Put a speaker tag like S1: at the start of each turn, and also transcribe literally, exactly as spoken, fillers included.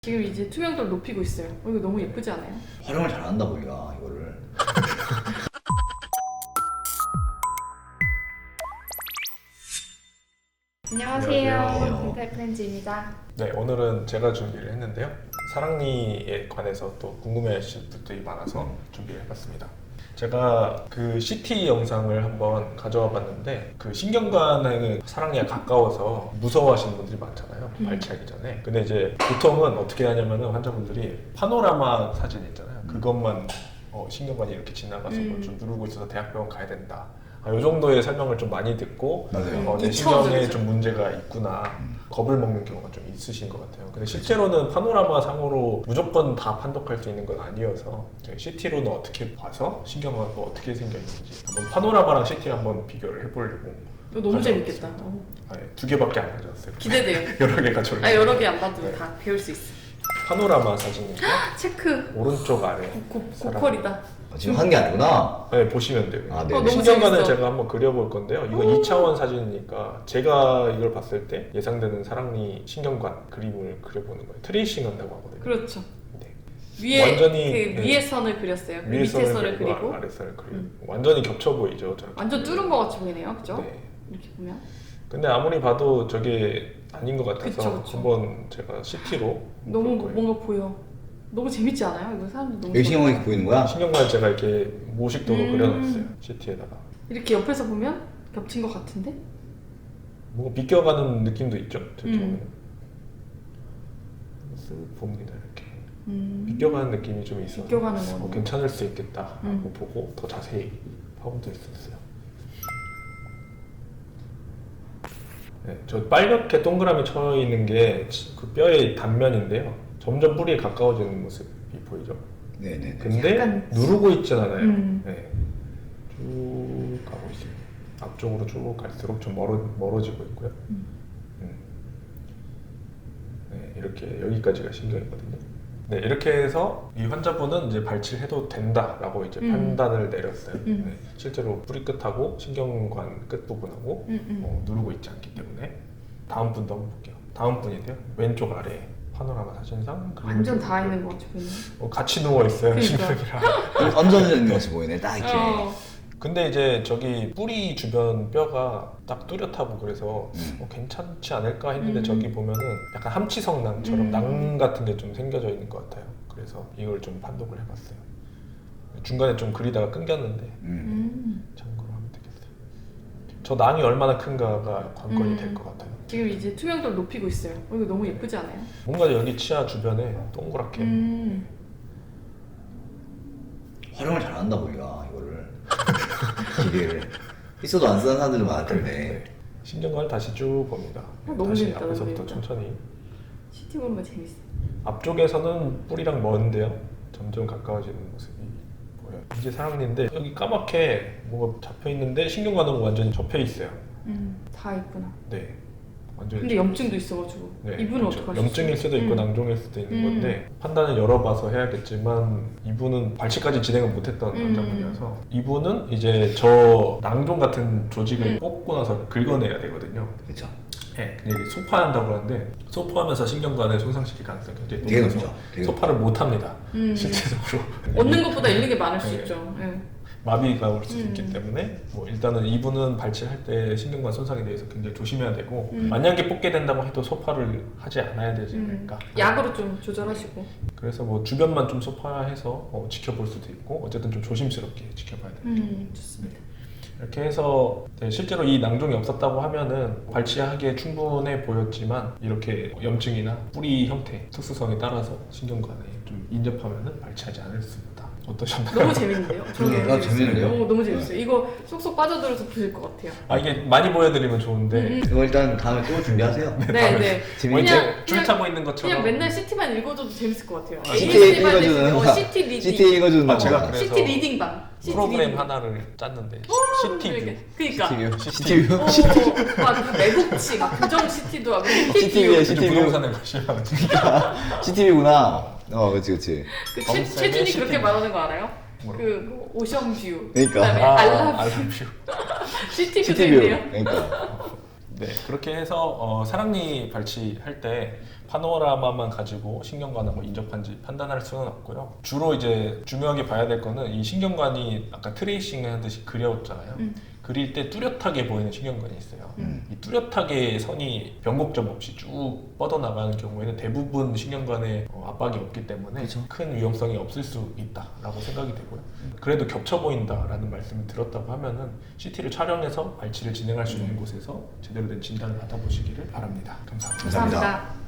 S1: 지금 이제 투명도를 높이고 있어요. 어, 이거 너무 예쁘지 않아요?
S2: 활용을 잘한다 보니까 이거를.
S1: 안녕하세요.
S2: 안녕하세요.
S1: 빈탈 프렌즈입니다.
S3: 네, 오늘은 제가 준비를 했는데요. 사랑니에 관해서 또 궁금해하실 분들이 많아서 준비를 해봤습니다. 제가 그 씨티 영상을 한번 가져와 봤는데 그 신경관에 사랑니가 가까워서 무서워하시는 분들이 많잖아요.
S1: 음.
S3: 발치하기 전에. 근데 이제 보통은 어떻게 하냐면은 환자분들이 파노라마 사진 있잖아요. 그것만 어, 신경관이 이렇게 지나가서
S1: 음.
S3: 뭐 좀 누르고 있어서 대학병원 가야 된다. 아, 이 정도의 설명을 좀 많이 듣고
S2: 맞아요.
S3: 어, 내
S1: 이차원적이죠.
S3: 신경에 좀 문제가 있구나. 겁을 먹는 경우가 좀 있으신 것 같아요. 근데 실제로는 파노라마 상으로 무조건 다 판독할 수 있는 건 아니어서 씨티로는 어떻게 봐서 신경관이 어떻게 생겨 있는지 한번 파노라마랑 씨티를 한번 비교를 해보려고.
S1: 이거 너무
S3: 가져와
S1: 재밌겠다.
S3: 봤습니다.
S1: 어,
S3: 아, 예, 두 개밖에 안 가져왔어요.
S1: 기대돼요.
S3: 여러 개가 저를.
S1: 아 여러 개 안 봐도
S3: 네.
S1: 다 배울 수 있어.
S3: 파노라마 사진인데
S1: 체크.
S3: 오른쪽 아래
S1: 고,
S3: 사람.
S1: 고퀄이다.
S2: 아, 지금 한 게 아니구나.
S3: 네, 보시면 돼요.
S2: 아, 네.
S1: 어, 너무
S3: 신경관을
S1: 재밌어.
S3: 제가 한번 그려볼 건데요. 이건 이 차원 사진이니까 제가 이걸 봤을 때 예상되는 사랑니 신경관 그림을 그려보는 거예요. 트레이싱 한다고 하거든요.
S1: 그렇죠.
S3: 네.
S1: 위에
S3: 완전히,
S1: 그
S3: 네.
S1: 위에 선을 그렸어요. 그
S3: 위에
S1: 밑에
S3: 선을
S1: 선을
S3: 그리고
S1: 그리고
S3: 아래 선을 그리고
S1: 음.
S3: 완전히 겹쳐 보이죠. 저렇게.
S1: 완전 뚫은 것 같이 보이네요. 그죠?
S3: 네.
S1: 이렇게 보면.
S3: 근데 아무리 봐도 저게 아닌 것 같아서
S1: 그쵸, 그쵸.
S3: 한번 제가 씨티로
S1: 너무 뭔가 보여. 너무 재밌지 않아요? 이거 사람들 너무
S2: 여기 신경관이
S1: 좋아해요.
S2: 이렇게 보이는 거야?
S3: 신경관 제가 이렇게 모식도로
S1: 음.
S3: 그려놨어요. 씨티에다가
S1: 이렇게 옆에서 보면 겹친 것 같은데?
S3: 뭔가 비껴가는 느낌도 있죠. 저쪽은
S1: 음.
S3: 쓱 봅니다 이렇게.
S1: 음.
S3: 비껴가는 느낌이 좀 있어서
S1: 비껴가는 거는.
S3: 어, 괜찮을 수 있겠다 하고
S1: 음.
S3: 보고 더 자세히 파고들 수 있어요. 네, 저 빨갛게 동그라미 쳐 있는 게 그 뼈의 단면인데요. 점점 뿌리에 가까워지는 모습이 보이죠.
S2: 네네.
S3: 근데
S1: 약간-
S3: 누르고 있진 않아요.
S1: 음.
S3: 네. 쭉 가고 있어요. 앞쪽으로 쭉 갈수록 좀 멀어, 멀어지고 있고요.
S1: 음.
S3: 음. 네, 이렇게 여기까지가 신경이거든요. 네, 이렇게 해서 이 환자분은 이제 발치해도 된다라고 이제
S1: 음.
S3: 판단을 내렸어요.
S1: 음.
S3: 네, 실제로 뿌리 끝하고 신경관 끝 부분하고
S1: 음, 음.
S3: 어, 누르고 있지 않기 때문에 다음 분도 한번 볼게요. 다음 분인데요. 왼쪽 아래 파노라마 사진상
S1: 완전
S3: 그림을
S1: 다 있는 것 같이 보이네.
S3: 어, 같이 누워 있어요.
S1: 그러니까.
S3: 신경이랑.
S2: 얹어져 있는 것이 보이네. 딱 이렇게.
S1: 어.
S3: 근데 이제 저기 뿌리 주변 뼈가 딱 뚜렷하고 그래서
S2: 음.
S3: 어, 괜찮지 않을까 했는데
S1: 음.
S3: 저기 보면은 약간 함치성 낭처럼
S1: 음.
S3: 낭 같은 게 좀 생겨져 있는 것 같아요. 그래서 이걸 좀 판독을 해봤어요. 중간에 좀 그리다가 끊겼는데
S2: 음.
S1: 음.
S3: 참고로 하면 되겠어요. 저 낭이 얼마나 큰가가 관건이
S1: 음.
S3: 될 것 같아요.
S1: 지금 이제 투명도를 높이고 있어요. 어, 이거 너무 예쁘지 않아요?
S3: 뭔가 여기 치아 주변에 동그랗게
S1: 음.
S2: 활용을 잘한다 보니까 이거를. 기계를. 있어도 안 쓰는 사람들도 많을 텐데.
S3: 네. 신경관을 다시 쭉 봅니다.
S1: 어, 너무
S3: 다시
S1: 재밌다, 너무
S3: 앞에서부터
S1: 재밌다.
S3: 천천히.
S1: 씨티 보는 거 재밌어.
S3: 앞쪽에서는 뿌리랑 먼데요. 점점 가까워지는 모습이 보여요. 이제 사랑니인데 여기 까맣게 뭐가 잡혀 있는데 신경관으로 완전히 접혀 있어요.
S1: 음. 다 있구나.
S3: 네, 완전히.
S1: 근데 염증도 있어가지고.
S3: 네,
S1: 이분은
S3: 그렇죠.
S1: 어떡하시죠?
S3: 염증일 수도 있고
S1: 음.
S3: 낭종일 수도 있는
S1: 음.
S3: 건데 판단을 열어봐서 해야겠지만 이분은 발치까지 진행을 못했던
S1: 음.
S3: 환자분이어서 이분은 이제 저 낭종 같은 조직을
S1: 음.
S3: 뽑고 나서 긁어내야 되거든요.
S2: 그렇죠.
S3: 네, 근데 이게 소파한다고 하는데 소파하면서 신경관을 손상시킬 가능성이 굉장히
S2: 되게
S3: 높아서
S2: 높죠. 되게
S3: 소파를 못합니다.
S1: 음.
S3: 실제적으로
S1: 얻는 것보다 잃는 게 많을 수
S3: 네.
S1: 있죠. 예.
S3: 마비가 올 수도
S1: 음.
S3: 있기 때문에 뭐 일단은 이분은 발치할 때 신경관 손상에 대해서 굉장히 조심해야 되고
S1: 음.
S3: 만약에 뽑게 된다고 해도 소파를 하지 않아야 되지
S1: 음.
S3: 않을까.
S1: 약으로 좀 조절하시고.
S3: 그래서 뭐 주변만 좀 소파해서 어, 지켜볼 수도 있고 어쨌든 좀 조심스럽게 지켜봐야 돼요.
S1: 음. 좋습니다.
S3: 이렇게 해서 네, 실제로 이 낭종이 없었다고 하면은 발치하기에 충분해 보였지만 이렇게 염증이나 뿌리 형태, 특수성에 따라서 신경관에 좀 인접하면은 발치하지 않을 수 있다. 어떠셨나요?
S1: 너무 재밌는데요? 저는
S2: 음,
S1: 너무
S2: 아, 재밌는데요?
S1: 너무, 너무 재밌어요. 이거 쏙쏙 빠져들어서 보실 것 같아요.
S3: 아 이게 많이 보여드리면 좋은데
S1: 음,
S2: 이거 일단 다음에 또 준비하세요.
S1: 네, 네.
S2: 재밌게.
S1: 그냥-
S3: 이제 줄 타고 있는 것처럼
S1: 그냥 맨날 씨티만 읽어줘도 재밌을 것 같아요.
S3: 아,
S2: 씨티
S1: 에이에스디만
S2: 읽어주는
S1: 어, 씨티 리딩.
S2: 씨티 읽어주는
S3: 아,
S2: 거.
S3: 제가 그래서
S1: 씨티 리딩방. 씨티
S3: 프로그램
S1: 리딩.
S3: 하나를 짰는데
S1: 어,
S3: 씨티뷰
S1: 그러니까.
S2: 씨티뷰.
S3: 씨티뷰.
S2: 씨티뷰.
S1: 막 매국치, 막 교정 씨티도 하고
S2: 씨티뷰에
S1: 씨티뷰.
S3: 요즘
S2: 씨티뷰.
S3: 부동산을 거시면
S2: 씨티비구나. 어, 그렇지, 그렇지.
S1: 그 최-
S3: 검색에
S1: 최준이 그렇게
S3: 씨티뷰.
S1: 말하는 거 알아요?
S3: 뭐라고?
S1: 그 뭐, 오션뷰.
S2: 그러니까.
S1: 그다음에
S3: 아,
S1: 알라뷰.
S3: 알라뷰.
S1: 씨티뷰도
S2: 씨티뷰.
S1: 있네요.
S2: 그러니까.
S3: 네, 그렇게 해서 어, 사랑니 발치할 때 파노라마만 가지고 신경관하고 인접한지 판단할 수는 없고요. 주로 이제 중요하게 봐야 될 거는 이 신경관이 아까 트레이싱 하듯이 그렸잖아요.
S1: 음.
S3: 그릴 때 뚜렷하게 보이는 신경관이 있어요.
S1: 음.
S3: 이 뚜렷하게 선이 변곡점 없이 쭉 뻗어나가는 경우에는 대부분 신경관에 어, 압박이 없기 때문에
S2: 그쵸.
S3: 큰 위험성이 없을 수 있다라고 생각이 되고요. 그래도 겹쳐 보인다라는 말씀을 드렸다고 하면은 씨티를 촬영해서 알치를 진행할 수 있는 곳에서 제대로 된 진단을 받아보시기를 바랍니다. 감사합니다.
S2: 감사합니다.
S1: 감사합니다.